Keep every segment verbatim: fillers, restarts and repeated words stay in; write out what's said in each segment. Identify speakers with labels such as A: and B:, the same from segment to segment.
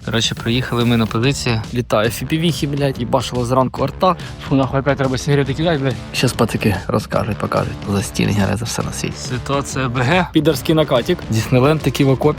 A: Коротше, приїхали ми на позиції. Літає фіпівіхи, блядь, і бачило зранку арта. Фу, нахуй опять треба сигарети кидати, блядь. Щас пацики розкажуть, покажуть. За стінгери, за все на світі. Ситуація БГ. Підерський накатик. Діснейленд таки в окопі.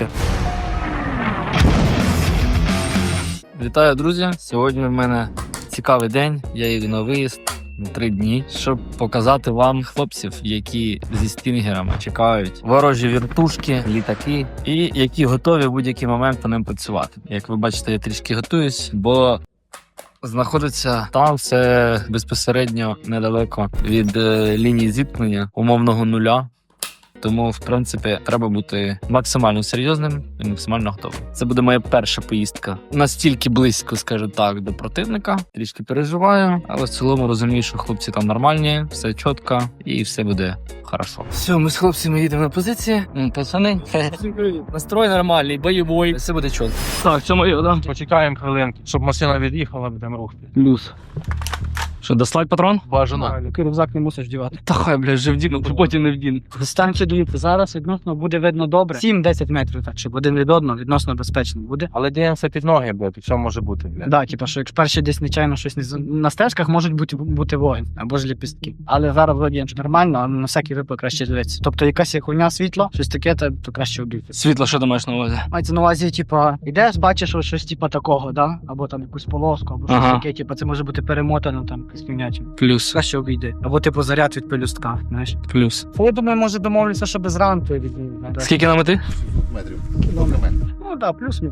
A: Вітаю, друзі. Сьогодні в мене цікавий день. Я їду на виїзд. Три дні, щоб показати вам хлопців, які зі стінгерами чекають ворожі вертушки, літаки, і які готові в будь-який момент по ним працювати. Як ви бачите, я трішки готуюсь, бо знаходиться там все безпосередньо недалеко від е, лінії зіткнення умовного нуля. Тому, в принципі, треба бути максимально серйозним і максимально готовим. Це буде моя перша поїздка. Настільки близько, скажу так, до противника. Трішки переживаю, але в цілому розумію, що хлопці там нормальні, все чітко і все буде хорошо. Все, ми з хлопцями їдемо на позиції. Пацани, настрой нормальний, бойовий, все буде чітко. Так, це моє, да?
B: Почекаємо хвилинку, щоб машина від'їхала, будемо рухати.
A: Плюс. Що, дослать патрон?
B: Бажано.
C: Такий рюкзак не мусиш вдівати.
A: Та хай, бля, вже вдіну, потім не вдіну.
C: Станьте, дивіться, зараз відносно буде видно добре. сім-десять метрів, так, щоб один від одного відносно безпечно буде.
B: Але дивимося під ноги, блядь, що може бути, блядь.
C: Да, типу, що якщо перші десь нечайно щось не з- на стежках можуть бути, бути вогонь або ж ліпістки. Але зараз вроді нормально, але на всякий випадок краще дивитися. Тобто якась є хуйня світла, щось таке, то, то краще обійти.
A: Світло, що ти маєш на увазі?
C: Мається на увазі, типу, йдеш, бачиш ось щось типу такого, да? Або там якусь полоску, або щось
A: Ага.
C: таке, типу, це може бути перемотано там якась хуйня.
A: Плюс.
C: Краще обійди. Або типу заряд від пелюстка, знаєш.
A: Плюс.
C: Я думаю, може домовлюся, щоб зранку від
A: Скільки на мети?
D: метрів.
C: Ну да, плюс-мінус.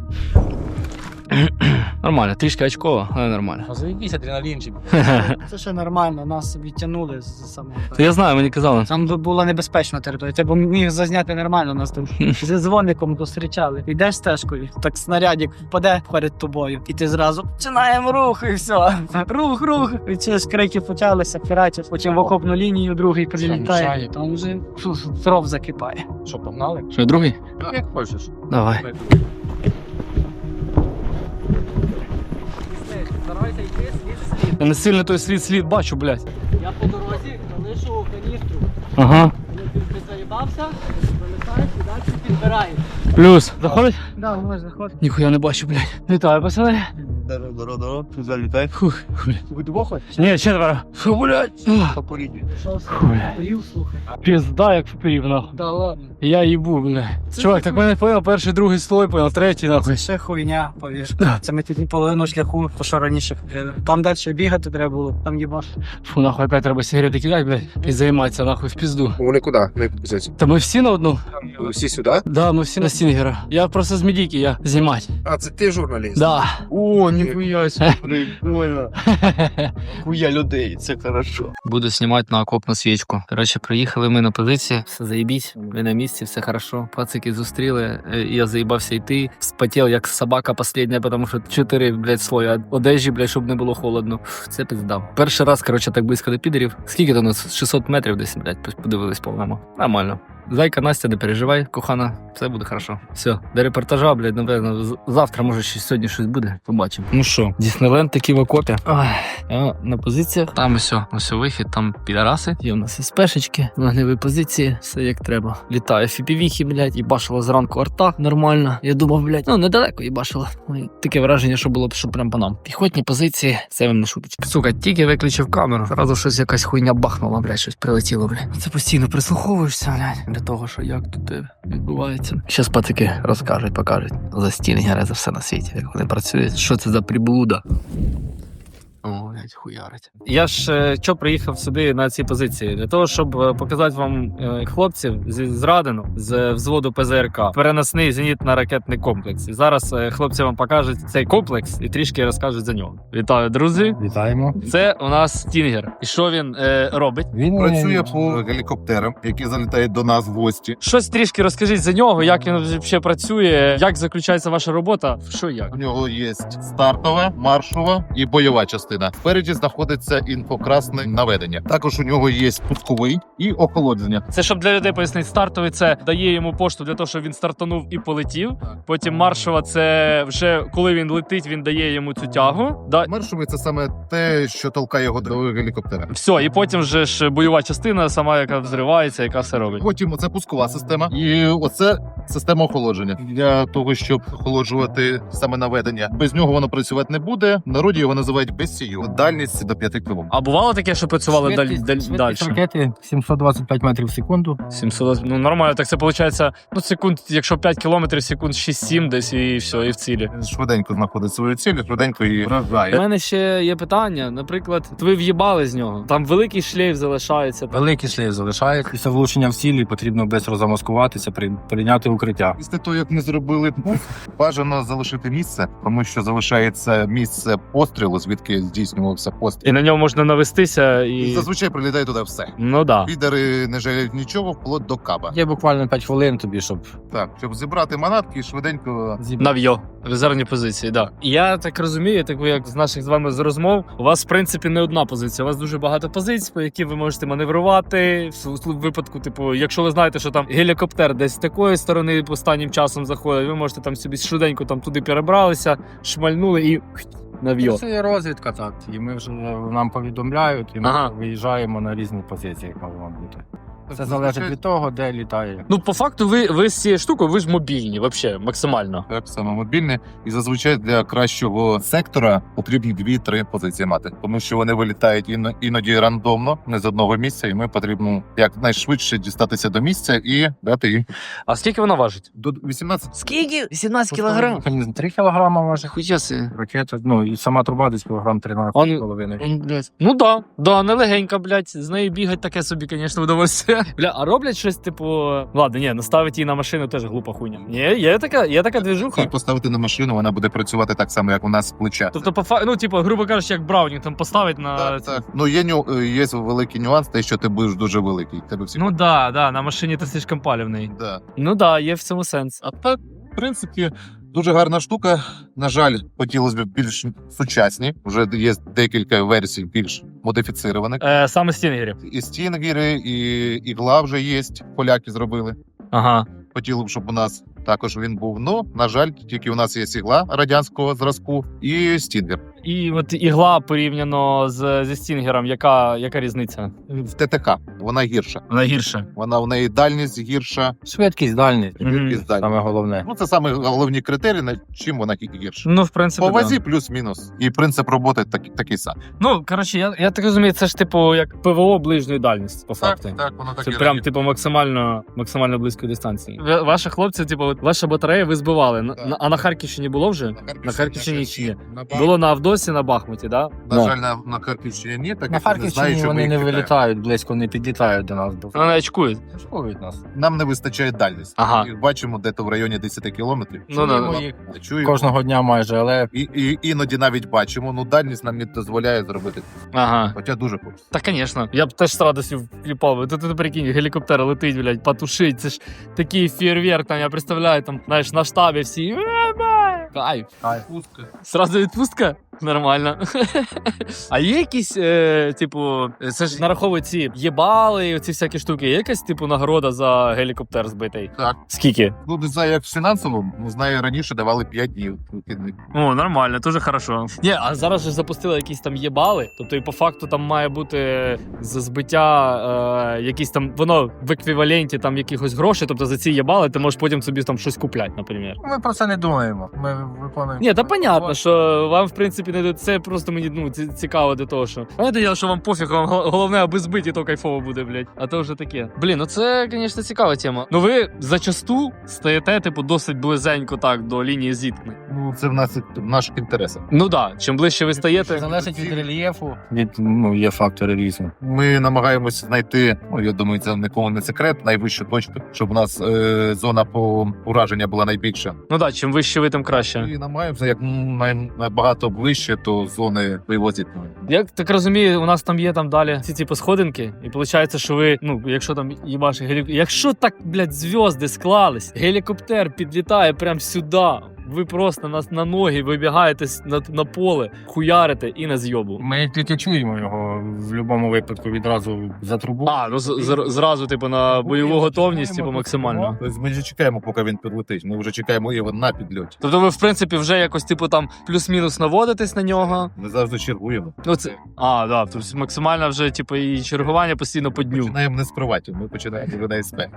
A: Нормально, трішки очково, але нормально.
B: Ну заїбісь, адреналінчик.
C: Це ще нормально, нас відтягнули з самого.
A: То я знаю, мені казали.
C: Там була небезпечна територія, ти б міг зазняти нормально, нас там зі дзвоником зустрічали. Йдеш стежкою, так снарядик впаде перед тобою, і ти зразу починаємо рух, і все. Рух, рух. І ці ж крики почалися, піратів, потім в окопну лінію другий прилітає.
B: мішає?
C: Там вже фу, кров закипає.
B: Що, погнали?
A: Що, другий?
B: Як хочеш.
A: Давай.
C: Старайся йти слід слід.
A: Я не сильно той слід-слід бачу, блядь.
C: Я по дорозі залишу каністру.
A: Ага.
C: Коли ти заїбався, пролітаєш і далі підбираєш.
A: Плюс. Заходить?
C: Да, можеш заходити.
A: Ніхуя не бачу, блядь. Вітаю, пацани.
D: Здорово, залітай.
A: Фух, блядь.
C: Ви двох хочеш?
A: Ні, четверо. Фу, блядь.
D: Попорідні.
C: Що
A: Бля.
C: Рів, слухай.
A: Пізда, як впів, нахуй.
C: Да ладно.
A: Я їбу, блядь. Чувак, так мене понял, перший, другий слой, понял, третій, нахуй.
C: Ще хуйня, повір.
A: Да.
C: Це ми тут половину шляху, то що раніше ходили. Там далі бігати треба було, там їбаш.
A: Фу, нахуй, опять треба сигарети кидати, блядь, і займатися, нахуй, в пізду.
D: Вони куди? Не підписаться.
A: Та ми всі на одну?
D: Всі сюди?
A: Да, ми всі на стінгера. Я просто з медійки, я знімати.
D: А, це ти журналіст?
A: Да.
D: О, ніхуя себе, прикольно. Хуя людей, це хорошо.
A: Буду знімати на окопну свічку. Коротше, приїхали ми на позиції. Все заєбісь, ми на місці, все хорошо. Пацики зустріли, е, я заїбався йти. Спотів, як собака последня, тому що чотири, блядь, слої одежі, блядь, щоб не було холодно. Фу, це пизда. Перший раз, коротше, так близько до підерів. Скільки там у нас? шістсот метрів десь, блядь, подивились, по-моєму. Нормально. Зайка, Настя, не переживай, кохана, все буде хорошо. Все, до репортажа, блядь, напевно, з- завтра, може, ще сьогодні щось буде, побачимо. Ну що, Діснейленд таки в окопі. Ой, я на позиціях. Там ось, ось вихід, там підараси. Є у нас і спешечки, вогневі позиції, все як треба. Літає фіпівіхи, блядь, і башила зранку арта нормально. Я думав, блядь, ну недалеко і башила. Таке враження, що було б, що прям по нам. Піхотні позиції, це вам не шуточка. Сука, тільки виключив камеру, зразу щось якась хуйня бахнула, блядь, щось прилетіло, блядь. Це постійно прислуховуєшся, блядь, для того, що як тут е, відбувається. Щас пацики розкажуть, покажуть за стінгери, за все на світі, як вони працюють. Що це за приблуда? О, блядь, хуярить. Я ж е, що приїхав сюди на ці позиції? Для того, щоб е, показати вам е, хлопців зі Зрадину, з взводу Пе Зе Ер Ка, переносний зенітно-ракетний комплекс. І зараз е, хлопці вам покажуть цей комплекс і трішки розкажуть за нього. Вітаю, друзі!
B: Вітаємо.
A: Це у нас Стінгер. І що він е, робить?
B: Він
D: Працює по гелікоптерам, які залітають до нас в гості.
A: Щось трішки розкажіть за нього, як він взагалі працює, як заключається ваша робота, що і як.
D: У нього є стартова, маршова і бойова частина.
E: Спереді знаходиться інфокрасне наведення. Також у нього є пусковий і охолодження.
F: Це щоб для людей пояснити, стартовий це дає йому пошту для того, щоб він стартанув і полетів. Потім маршова це вже коли він летить, він дає йому цю тягу. Да.
E: Маршовий – це саме те, що толкає його до гелікоптера.
F: Все, і потім вже ж бойова частина, сама яка взривається, яка все робить.
E: Потім оце пускова система, і оце система охолодження. Для того, щоб охолоджувати саме наведення. Без нього воно працювати не буде. В народі його називають без сію. Дальність до п'яти кілометрів.
F: А бувало таке, що працювали далі далі?
B: ракети сімсот двадцять п'ять метрів в секунду.
F: сімсот, ну нормально, так це виходить, ну секунд, якщо п'ять кілометрів, секунд шість-сім десь і все, і в цілі.
E: Швиденько знаходить свою ціль, швиденько її
A: У
E: вражає.
A: мене ще є питання. Наприклад, ви в'їбали з нього. Там великий шлейф залишається.
B: Великий шлейф залишається. Після влучення в цілі потрібно швидко замаскуватися, при- прийняти укриття.
E: Після того, як ми зробили пуск, бажано залишити місце, тому що залишається місце пострілу, звідки здійснювався постріл.
F: І на ньому можна навестися
E: І
F: і.
E: зазвичай прилітає туди все.
F: Ну да.
E: Підари не жаліють нічого, вплоть до каба.
B: Є буквально п'ять хвилин тобі, щоб
E: Так, щоб зібрати манатки і швиденько.
F: Нав'йо. Резервні позиції, так. Да. Я так розумію, так як з наших з вами з розмов, у вас в принципі не одна позиція. У вас дуже багато позицій, по які ви можете маневрувати. В випадку, типу, якщо ви знаєте, що там гелікоптер десь з такої сторони останнім часом заходить, ви можете там собі швиденько там туди перебралися, шмальнули і нав'йо.
B: це є розвідка, так. І ми вже нам повідомляють, і ми
F: Ага.
B: виїжджаємо на різні позиції, як можемо бути. Це залежить від того, де літає.
F: Ну, по факту, ви, ви з цією штукою, ви ж мобільні, взагалі, максимально.
E: Так само мобільне, і зазвичай для кращого сектора потрібні дві-три позиції мати, тому що вони вилітають іно- іноді рандомно, не з одного місця, і ми потрібно якнайшвидше дістатися до місця і дати їм
F: А скільки вона важить?
E: до вісімнадцяти.
A: Скільки? вісімнадцять
B: Механізм три кілограма важить.
A: Хуя си.
B: Ракета, ну і сама труба десь кілограм тринадцять
F: Он-
B: з половиною.
F: М, блядь. Ну да, да, нелегенька, блядь. З нею бігать таке собі, звісно, удовольствие. Бля, а роблять щось, типу. Ладно, ні, наставити її на машину теж глупа хуйня. Ні, є така, є така движуха.
E: І поставити на машину, вона буде працювати так само, як у нас з плеча.
F: Тобто, по фа... ну, типу, грубо кажучи, як Браунінг там поставить на.
E: Так, так. Ну є ню... є великий нюанс, те, що ти будеш дуже великий. Тебе всі
F: Ну да, да, на машині ти слишком палівний.
E: да.
F: Ну да, є в цьому сенс.
E: А так, в принципі, дуже гарна штука. На жаль, хотілося б більш сучасні. Вже є декілька версій більш модифіцірованих.
F: Е, саме стінгерів.
E: І стінгери, і ігла вже є. Поляки зробили.
F: Ага.
E: Хотіли б, щоб у нас також він був. Ну, на жаль, тільки у нас є ігла радянського зразку і стінгер.
F: І от ігла порівняно з, зі стінгером, яка, яка різниця?
E: В ТТК вона гірша.
F: Вона гірша.
E: Вона в неї дальність гірша,
B: Швидкість дальність.
E: швидкість дальність.
B: Саме головне.
E: Ну, це саме головні критерії, на чим вона гірша.
F: Ну, в принципі,
E: По вазі
F: да.
E: плюс-мінус. І принцип роботи такий, такий самий.
F: Ну, коротше, я, я так розумію, це ж типу як ПВО ближньої дальності, по факту.
E: так, воно так
F: Це
E: і
F: прям
E: робить.
F: типу максимально максимально близької дистанції. Ви- Ваші хлопці, типу, от ваша батарея ви збивали. На-
E: Так.
F: на- а на Харківщині було вже?
E: На
F: На Харківщині чи ні?
E: На, Бах-
F: Було на Авдосі, на Бахмуті, да?
E: на жаль, на, на Харківщині ні, так
B: На
E: як не знаю,
B: Харківщині
E: що
B: вони
E: ми
B: не
E: їх кидаємо.
B: вилітають, близько не підлітають до нас. Бо
F: Вони очкують.
B: шкодують нас.
E: Нам не вистачає дальність.
F: Ага.
E: І бачимо, де то в районі десять кілометрів.
F: Ну, да,
E: Чуємо,
B: да. їх
E: чуємо.
B: Кожного дня майже, але
E: І, і іноді навіть бачимо, ну дальність нам не дозволяє зробити.
F: Ага.
E: Хоча дуже хочеться.
F: Та, звісно. Я б теж з радістю вкліпав. Ти, ти, ти прикинь, гелікоптер летить, блядь, потушить. Це ж такий фейерверк, там, я представляю, там, знаєш, на штабі всі. «Е-бе!» Кайф.
B: Кайф.
F: Сразу відпустка? Нормально. А є якісь, е, типу, це ж нараховують ці єбали, ці всякі штуки. Є якась, типу, нагорода за гелікоптер збитий?
E: Так.
F: Скільки?
E: Ну, не знаю, як в фінансовому, ну, знаю, раніше давали п'ять днів. вихідних.
F: О, нормально, дуже хорошо. Ні, а зараз же запустили якісь там єбали. Тобто, і по факту там має бути за збиття е, якісь там, воно в еквіваленті там якихось грошей. Тобто за ці єбали ти можеш потім собі там щось купляти, наприклад.
B: ми про це не думаємо. Ми виконуємо.
F: Ні, та понятно, що вам в принципі не до це просто мені ну ці- цікаво до того, що понятне діло, що вам пофіг, вам гол- головне, аби збиті, то кайфово буде, блядь. А то вже таке. Блін, ну це, звісно, цікава тема. Ну ви зачасту стаєте, типу, досить близенько так до лінії зіткнень.
E: Ну, це в нас в наших інтересах.
F: Ну да, чим ближче ви стаєте.
B: Залежить від рельєфу. Від, ну, є фактори різні.
E: Ми намагаємося знайти, ну я думаю, це нікому не секрет, найвищу точку, щоб у нас е, зона по ураження була найбільша.
F: Ну да, чим вище ви, тим краще.
E: І намагаємося, як най- набагато ближче, то зони вивозять.
F: Я так розумію, у нас там є там далі ці типу сходинки, і виходить, що ви, ну, якщо там їбаш гелік... Якщо так, блядь, зв'язки склались, гелікоптер підлітає прямо сюди, ви просто на, на ноги вибігаєте с- на, на поле, хуярите і на зйобу.
B: Ми тільки чуємо його в будь-якому випадку відразу за трубу.
F: А, ну з, з- зразу, типу, на бойову готовність, типу, максимально.
E: Тобто ми вже чекаємо, поки він підлетить. Ми вже чекаємо його на підльоті.
F: Тобто ви, в принципі, вже якось, типу, там плюс-мінус наводитесь на нього.
E: Ми завжди чергуємо.
F: Ну, це... А, да, тобто максимально вже, типу, і чергування постійно по дню.
E: Починаємо не з приватів, ми починаємо вже на СП.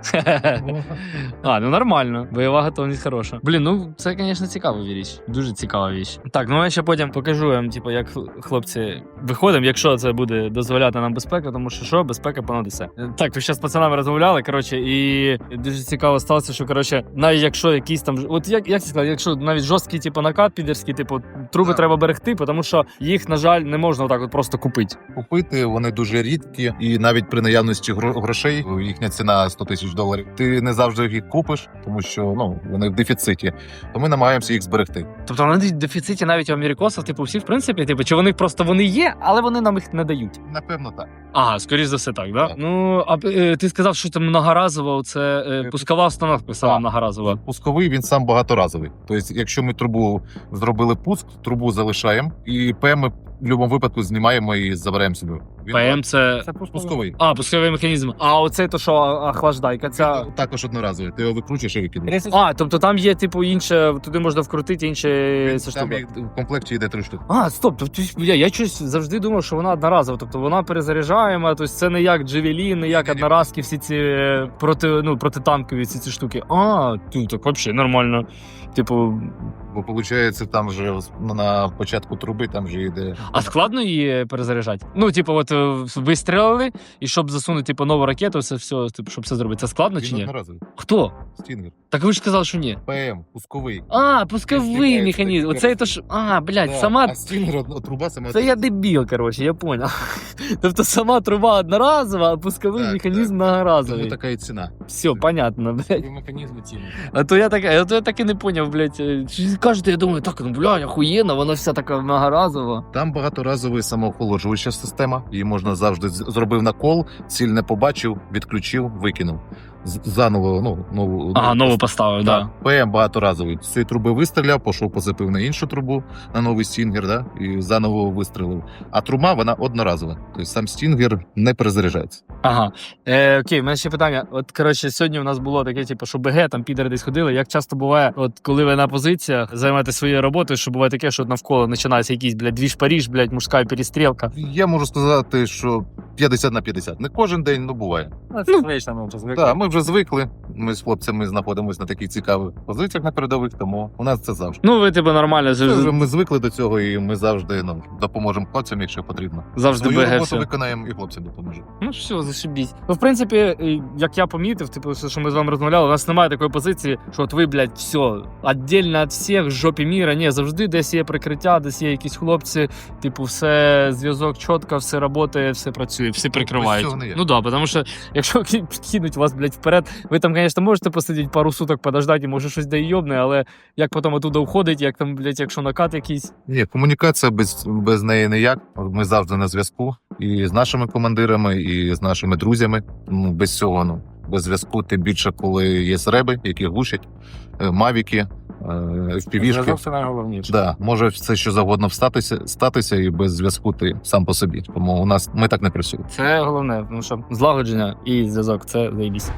F: А, ну нормально. Бойова готовність хороша. Блін, ну це, звісно, цікава річ. Дуже цікава річ. Так, ну я ще потім покажу вам, типу, як хлопці виходимо, якщо це буде дозволяти нам безпека, тому що що, безпека понад усе. Так, ви ще з пацанами розмовляли, коротше, і дуже цікаво сталося, що, коротше, навіть якщо якісь там, от як, як це сказати, якщо навіть жорсткий, типу, накат підерський, типу, труби
E: Так.
F: треба берегти, тому що їх, на жаль, не можна отак от просто купити.
E: Купити вони дуже рідкі, і навіть при наявності гро- грошей, їхня ціна сто тисяч доларів. Ти не завжди їх купиш, тому що ну вони в дефіциті. То ми намагаємося їх зберегти.
F: Тобто вони в дефіциті навіть у америкосів, типу, всі, в принципі, типу, чи вони просто вони є, але вони нам їх не дають.
E: Напевно, так.
F: Ага, скоріш за все так, да?
E: Так.
F: Ну, а е, ти сказав, що там многоразово, це е, пускова установка сама
E: Так.
F: многоразова.
E: Пусковий він сам багаторазовий. Тобто, якщо ми трубу зробили пуск, трубу залишаємо, і ПМ ми в будь-якому випадку знімаємо і забираємо собі. Він
F: ПМ це...
E: це пусковий.
F: А, пусковий механізм. А оцей то, що охлаждайка, ця...
E: Він також одноразовий. Ти його викручуєш і викидаєш.
F: А, тобто там є, типу, інше, туди можна вкрутити інше це
E: Там
F: штука.
E: їх в комплекті йде три штуки.
F: А, стоп, тобто я, я щось завжди думав, що вона одноразова, тобто вона перезаряджаєма, тобто це не як Джевелін, не як одноразки, всі ці е, проти, ну, протитанкові ці, ці штуки. А, ну так взагалі нормально. Типу,
E: Бо виходить, там вже на початку труби там вже йде.
F: а складно її перезаряджати? Ну, типу, от е, вистрілили, і щоб засунути типу, нову ракету, все, все, типу, щоб все зробити. Це складно чи
E: Він
F: ні?
E: одноразовий.
F: Хто?
E: Стінгер.
F: Так ви ж сказали, що ні.
E: ПМ, пусковий.
F: А, пусковий
E: Стріляється,
F: механізм.
E: так,
F: Оце то ж. А, блядь,
E: Да,
F: сама.
E: А стінгер одна труба сама.
F: Це я дебіл, коротше, я поняв. Тобто сама труба одноразова, а пусковий
E: Так,
F: механізм
E: так. Тому
F: многоразовий.
E: така і ціна.
F: Все, понятно, блядь.
B: Механізми ціни.
F: А то я так, а то я так і не поняв, блядь. Кажете, я думаю, так, ну блядь, охуєнно, вона вся така многоразова.
E: Там багаторазова самоохолоджуюча система. Її можна завжди з- зробив накол, ціль не побачив, відключив, викинув. З- Заново, ну, нову.
F: Ага, нову поставив,
E: Так,
F: да.
E: ПМ багаторазовий. З цієї труби вистріляв, пішов, позапив на іншу трубу, на новий стінгер, да, і заново вистрілив. А труба, вона одноразова. Тобто сам стінгер не перезаряджається.
F: Ага. Е, окей, в мене ще питання. От, коротше, сьогодні у нас було таке, типу, що БГ, там підери десь ходили. Як часто буває, от коли ви на позиціях займаєтесь своєю роботою, що буває таке, що навколо починається якийсь, блядь, двіж Паріж, блядь, мужська перестрілка.
E: Я можу сказати, що п'ятдесят на п'ятдесят. Не кожен день, ну буває.
B: Ну, звично, ми вже звикли.
E: Так, ми вже звикли. Ми з хлопцями знаходимося на таких цікавих позиціях на передових, тому у нас це завжди.
F: Ну, ви, типу, нормально,
E: Це вже
F: завжди,
E: ми звикли до цього, і ми завжди ну, допоможемо хлопцям, якщо потрібно.
F: завжди
E: Свою
F: БГ
E: роботу
F: все.
E: виконаємо і хлопцям допоможемо.
F: Ну все, зашибіть. Ну, в принципі, е, як я помітив, типу, все, що ми з вами розмовляли, у нас немає такої позиції, що от ви, блядь, все, віддільно від всіх, в жопі міра. Ні, завжди десь є прикриття, десь є якісь хлопці, типу, все, зв'язок чітко, все працює, все працює, всі прикривають.
E: цього не є.
F: Ну да, тому що якщо кинуть вас, блядь, вперед, ви там, звісно, можете посидіти пару суток, подождати, може щось де йобне, але як потім оттуда уходить, як там, блядь, якщо накат якийсь.
E: Ні, комунікація без, без неї ніяк. Ми завжди на зв'язку і з нашими командирами, і з нашими друзями. Ну, без цього, ну, без зв'язку, тим більше, коли є реби, які глушать, е, мавіки, впівішки.
B: Зв'язок це найголовніше.
E: Да, може все що завгодно встатися, статися, і без зв'язку ти сам по собі. Тому у нас ми так не працюємо.
F: Це головне, тому що злагодження і зв'язок це заєбісь.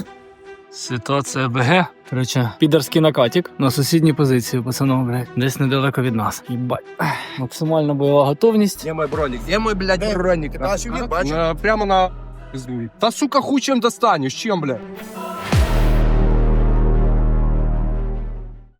F: Ситуація БГ. Короче, підерський накатик на сусідній позиції, пацанов, блядь, десь недалеко від нас. Їбать. Максимальна бойова готовність.
D: Где мой броник? Где мой, блядь, броник? Та,
B: На- Прямо на... Та, сука, хуй чем достанешь, чем, блядь?